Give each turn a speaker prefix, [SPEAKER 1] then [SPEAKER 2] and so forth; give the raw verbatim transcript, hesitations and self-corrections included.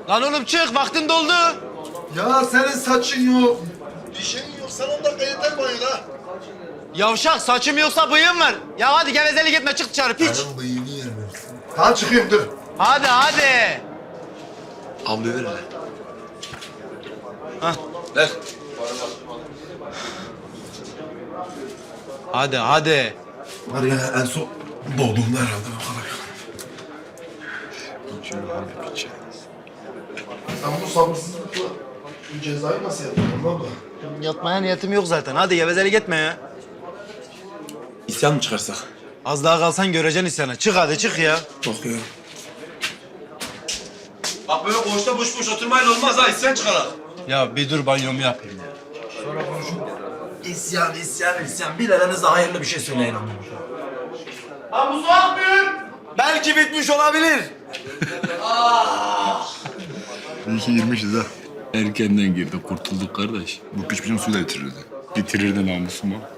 [SPEAKER 1] Lan oğlum çık, vaktin doldu.
[SPEAKER 2] Ya senin saçın yok. Bir şeyin yok. Sen on dakika yeter banyoda.
[SPEAKER 1] Yavşak, saçım yoksa bıyığım var. Ya hadi gevezelik etme, çık dışarı piç.
[SPEAKER 2] Benim bıyığını yer versin. Tamam çıkıyorum dur.
[SPEAKER 1] Hadi hadi.
[SPEAKER 3] Havluyu ver hele.
[SPEAKER 1] Hah.
[SPEAKER 3] Ver.
[SPEAKER 1] Hadi hadi.
[SPEAKER 2] Var ya en son doğduğumda herhalde o kadar. Sen bu sabırsızlıkla bu cezayı nasıl yapıyorsun baba?
[SPEAKER 1] Yatmaya niyetim yok zaten. Hadi gevezelik etme ya.
[SPEAKER 3] İsyan mı çıkarsak?
[SPEAKER 1] Az daha kalsan göreceksin isyanı. Çık hadi çık ya.
[SPEAKER 3] Bakıyorum. Bak böyle koğuşta boş boş oturmayla olmaz ha. İsyan çıkarak.
[SPEAKER 1] Ya bir dur banyomu yapayım ya.
[SPEAKER 3] İsyan, isyan, isyan. Bir aranızda hayırlı bir şey söyleyin ama.
[SPEAKER 1] Ha bu su akmıyor.
[SPEAKER 3] Belki bitmiş olabilir.
[SPEAKER 4] İyi ki girmişiz ha. Erkenden girdi, kurtulduk kardeş. Bu piç bizim suyu da bitirirdi. Bitirirdi namusumu.